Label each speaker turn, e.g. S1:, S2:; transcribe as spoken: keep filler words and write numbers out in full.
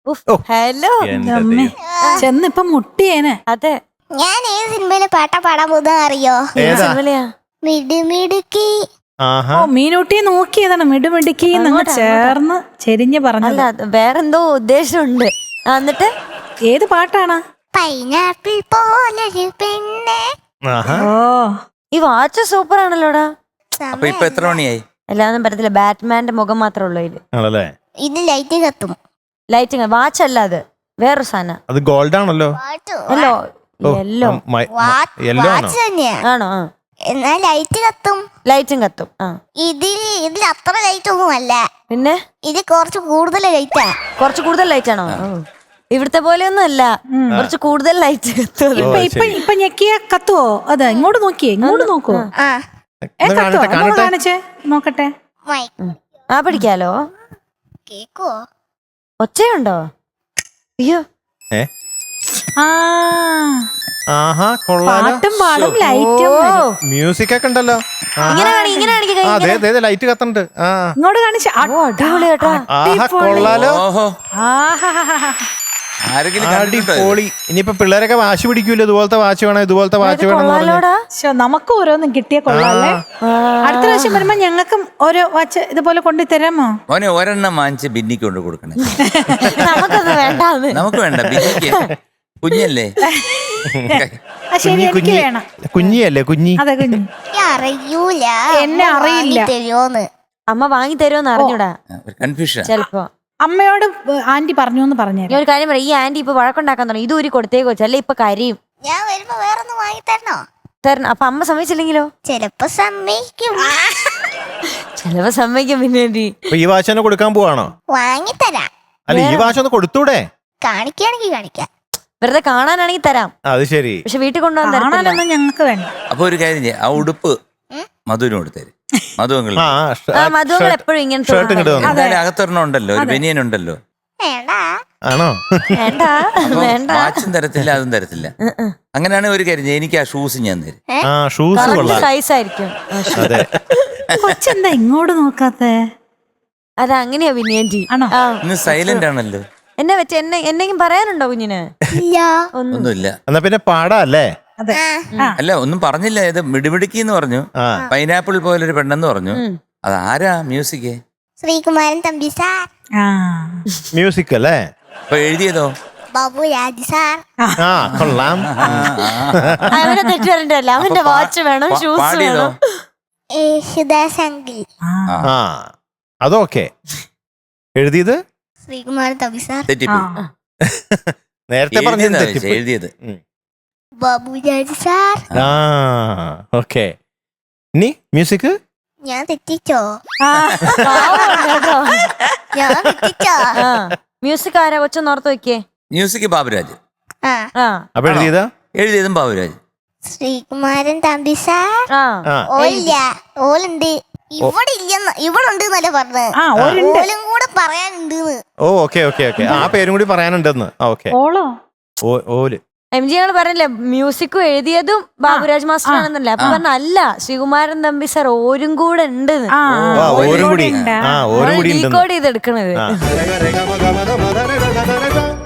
S1: Hello
S2: ചെന്നിപ്പം മുട്ടിയേനെ.
S1: അതെ,
S3: ഞാൻ ഏത് സിനിമയിലെ പാട്ടാ പാടാൻ പോകുന്ന അറിയോ?
S1: സിനിമയിലെയാ?
S3: മിടുമിടുക്കി.
S2: ഓ മീനൂട്ടിയെ നോക്കിയതാണ് മിടുമിടുക്കി നിങ്ങൾ ചേർന്ന് ചെരിഞ്ഞ് പറഞ്ഞത്.
S1: അല്ല, വേറെന്തോ ഉദ്ദേശമുണ്ട്. എന്നിട്ട്
S2: ഏത് പാട്ടാണ്?
S3: പൈനാപ്പിൾ പോലൊരു പെണ്ണെ.
S2: ഓ
S1: ഈ വാച്ച് സൂപ്പർ ആണല്ലോടാ.
S4: അപ്പൊ ഇപ്പൊ എത്ര മണിയായി?
S1: എല്ലാന്നും പറ്റത്തില്ല, ബാറ്റ്മാന്റെ മുഖം മാത്രമേ ഉള്ളൂ ഇതില്.
S3: ഇത് ലൈറ്റ് കത്തും.
S1: ലൈറ്റിങ് വാച്ച് അല്ല, അത് വേറൊരു സാധനം.
S5: അത് ഗോൾഡ് ആണല്ലോ.
S1: യെല്ലോ യെല്ലോ
S3: വാച്ച് തന്നെയാ.
S1: ആണോ? ആ,
S3: എന്നാ ലൈറ്റ് കത്തും.
S1: ലൈറ്റും കത്തും. ആ,
S3: ഇതിൽ ഇതിൽ അത്ര ലൈറ്റ് ഒന്നും അല്ല,
S1: പിന്നെ
S3: ഇത് കുറച്ച് കൂടുതൽ ലൈറ്റാ.
S1: കുറച്ച് കൂടുതൽ ലൈറ്റ് ആണോ? ഇവിടുത്തെ പോലെയൊന്നും അല്ല, കുറച്ച് കൂടുതൽ ലൈറ്റ് കത്തും.
S2: ഇപ്പൊ ഇപ്പൊ ഇപ്പൊ ഞെക്കിയ കത്തുവോ? അതെ, ഇങ്ങോട്ട് നോക്കിയേ, ഇങ്ങോട്ട് നോക്കൂ.
S3: ആ
S2: ഏ കത്തുവോ? അങ്ങോട്ട് കാണിച്ചേ നോക്കട്ടെ.
S3: മൈ
S1: ആ, പിടിക്കാലോ.
S3: കേക്കോ?
S1: ഒച്ചയുണ്ടോ? അയ്യോ,
S2: ആ
S5: ആഹാ, കൊള്ളാലോ.
S2: പാട്ടും പാടും ലൈറ്റും വരും.
S5: മ്യൂസിക് ഒക്കെ ഉണ്ടല്ലോ.
S1: ഇങ്ങനെ കാണി, ഇങ്ങനെ കാണിക്ക് കൈ ഇങ്ങനെ.
S5: അതെ അതെ, ലൈറ്റ് കത്തുന്നുണ്ട്. ആ
S2: ഇങ്ങോട്ട് കാണിച്ച
S1: ഓ, അടിപൊളി കേട്ടോ.
S5: ആഹാ, കൊള്ളാലോ.
S4: ഓഹോ,
S2: ആഹാ.
S4: ആരെങ്കിലും കണ്ടിട്ടുണ്ടോ ഇത്?
S5: അടിപൊളി. ഇനിയിപ്പോ പിള്ളേരൊക്കെ വാശി പിടിക്കൂല്ലോ, ഇതുപോലത്തെ വാച്ച് വേണം, ഇതുപോലത്തെ വാച്ച് വേണം എന്ന് പറഞ്ഞു.
S1: കൊള്ളാലോടാ.
S2: ശോ, നമുക്ക് ഓരോന്നും കിട്ടിയ കൊള്ളാല്ലേ. അടുത്ത പ്രാവശ്യം വരുമ്പോ ഞങ്ങൾക്കും ഓരോ വാച്ച് ഇതുപോലെ കൊണ്ടു തരാമോ?
S4: മോനെ ഒരെണ്ണം വാങ്ങിച്ച് ബിന്നിക്ക് കൊണ്ട് കൊടുക്കണേ.
S1: നമുക്കൊന്നും വേണ്ടാന്ന്.
S4: നമുക്ക് വേണ്ട, ബിന്നിക്ക് കുഞ്ഞല്ലേ.
S2: ആ ശരി, എനിക്ക് വേണം.
S5: കുഞ്ഞിയല്ലേ കുഞ്ഞി?
S2: അതെ കുഞ്ഞി.
S3: അറിയൂല,
S2: എന്നെ അറിയില്ല.
S3: തരുമോന്ന്.
S1: അമ്മ വാങ്ങി തരുമെന്ന് അറിഞ്ഞൂടാ
S4: കൺഫ്യൂഷൻ.
S1: ചെലപ്പോ.
S2: അമ്മയോട് ആന്റി പറഞ്ഞു എന്ന് പറഞ്ഞു.
S1: ഞാൻ ഒരു കാര്യം പറയാം, ഈ ആന്റി ഇപ്പൊ വഴക്കുണ്ടാക്കാൻ തുടങ്ങി. ഇത് ഊരി കൊടുത്തേക്ക് വെച്ചു, അല്ലെ ഇപ്പൊ കരയും.
S3: ഞാൻ വരുമ്പോ വേറൊന്നും വാങ്ങി തരണോ?
S1: തരണം. അപ്പൊ അമ്മ സമ്മതിച്ചില്ലെങ്കിലോ?
S3: ചിലപ്പോ സമ്മതിക്കും.
S1: ചിലപ്പോ സമ്മതിക്കും. പിന്നെ
S5: അപ്പൊ ഈ വാച്ച് തന്നെ കൊടുക്കാൻ പോവാണോ?
S3: വാങ്ങി തരാം.
S5: അല്ല, ഈ വാച്ച് ഒന്ന് കൊടുത്തൂടെ?
S3: കാണിക്കുകയാണെങ്കിൽ കാണിക്കാം.
S1: വെറുതെ കാണാനാണെങ്കിൽ തരാം,
S5: അത് ശരി.
S1: പക്ഷെ വീട്ടിൽ കൊണ്ടുപോകാൻ തരത്തില്ല.
S2: കാണാനൊന്നും ഞങ്ങൾക്ക് വേണ്ട.
S4: അപ്പൊ ഒരു കാര്യം ചെയ്യാം, ആ ഉടുപ്പ് മധുവിന് കൊടുത്തേര്. മധു അങ്കിൾ
S5: ആ
S1: ആ, മധുങ്ങൾ എപ്പോഴും ഇങ്ങനത്തെ
S5: ഷർട്ട് ഇങ്ങോട്ട് വന്നു.
S4: എന്തായാലും അകത്തൊരെണ്ണം ഉണ്ടല്ലോ, ഒരു ബനിയൻ ഉണ്ടല്ലോ.
S3: വേണ്ട.
S5: ആണോ?
S1: വേണ്ട വേണ്ട.
S4: വാച്ചും തരത്തില്ല, അതും തരത്തില്ല. അങ്ങനെയാണെങ്കിൽ ഒരു കാര്യം ചെയ്യാം, എനിക്ക് ആ ഷൂസ് ഞാൻ തരും.
S5: ആ ഷൂസ് കൊള്ളാം.
S1: സൈസ് ആയിരിക്കും.
S5: അതെ.
S2: കൊച്ചെന്താ ഇങ്ങോട്ട് നോക്കാത്തെ?
S1: അത് അങ്ങനെയാ പിന്നെ ആന്റി.
S2: ആണോ?
S4: ഇന്ന് സൈലന്റ് ആണല്ലോ.
S1: എന്നെ വെച്ച് എന്നെ എന്തെങ്കിലും പറയാനുണ്ടോ കുഞ്ഞിന്?
S3: ഇല്ല.
S4: ഒന്നുമില്ല.
S5: എന്നാ പിന്നെ പാടാ അല്ലേ?
S2: അതെ.
S4: അല്ല, ഒന്നും പറഞ്ഞില്ല. ഇത് മിടിമിടുക്കി എന്ന് പറഞ്ഞു, പൈനാപ്പിൾ പോലൊരു പെണ്ണെന്ന് പറഞ്ഞു. അത് ആരാ മ്യൂസിക്?
S3: ശ്രീകുമാരൻ തമ്പി സാർ.
S2: ആ
S5: മ്യൂസിക് അല്ലേ?
S4: അപ്പൊ എഴുതിയതോ?
S3: ബാബു രാജ് സാർ.
S5: ആ കൊള്ളാം.
S1: അവനെ തെറ്റ് വരണ്ടല്ലോ. അവന്റെ വാച്ച് വേണം, ഷൂസ്
S4: പാടിയതോ?
S1: വേണം.
S3: യേശുദാസ് അങ്കിൾ.
S5: ആ അതൊക്കെ എഴുതിയത്
S3: ശ്രീകുമാരൻ തമ്പി സാർ.
S4: തെറ്റിപ്പോയി.
S5: നേരത്തെ
S4: എഴുതിയതാ
S5: പറഞ്ഞത്
S4: ചോദിച്ചേ, എഴുതിയത്
S3: ബാബു രാജ് സാർ.
S5: ആ ഓക്കെ. ഇനി മ്യൂസിക്
S3: ഞാൻ തെറ്റിച്ചോ?
S1: പാവം കേട്ടോ.
S3: ഞാൻ തെറ്റിച്ചോ?
S1: ആ, മ്യൂസിക് ആരാ? കൊച്ചൊന്ന് ഓർത്ത് വെക്കേ.
S4: മ്യൂസിക് ബാബുരാജ്.
S3: ആ
S1: ആ
S5: അപ്പൊ എഴുതിയതാ?
S4: എഴുതിയതും ബാബുരാജ്.
S3: ശ്രീകുമാരൻ തമ്പി സാർ.
S1: ആ
S5: ആ
S3: ഓലില്ല, ഓലുണ്ട്. ഇവിടെ ഇല്ലെന്ന്, ഇവിടെ ഉണ്ട് എന്നല്ലേ പറഞ്ഞത്.
S2: ആ ഒരുണ്ട്.
S3: ഓലും കൂടെ പറയാനുണ്ട്.
S5: ഓ ഓക്കെ ഓക്കെ ഓക്കെ. ആ പേരും കൂടി പറയാനുണ്ടെന്ന്. ഓക്കെ.
S2: ഓളോ?
S5: ഓല്
S1: എം ജി ഞങ്ങൾ പറഞ്ഞില്ലേ മ്യൂസിക്കും എഴുതിയതും ബാബുരാജ് മാസ്റ്റർ ആണെന്നല്ലേ. അപ്പൊ പറഞ്ഞ അല്ല, ശ്രീകുമാരൻ തമ്പി സാർ ഓരും കൂടെ ഉണ്ട്.
S2: ആ
S5: ഓരും കൂടി. ആ ഓരും കൂടി
S1: ഡീകോഡ് ചെയ്ത് എടുക്കണത്.
S5: ആ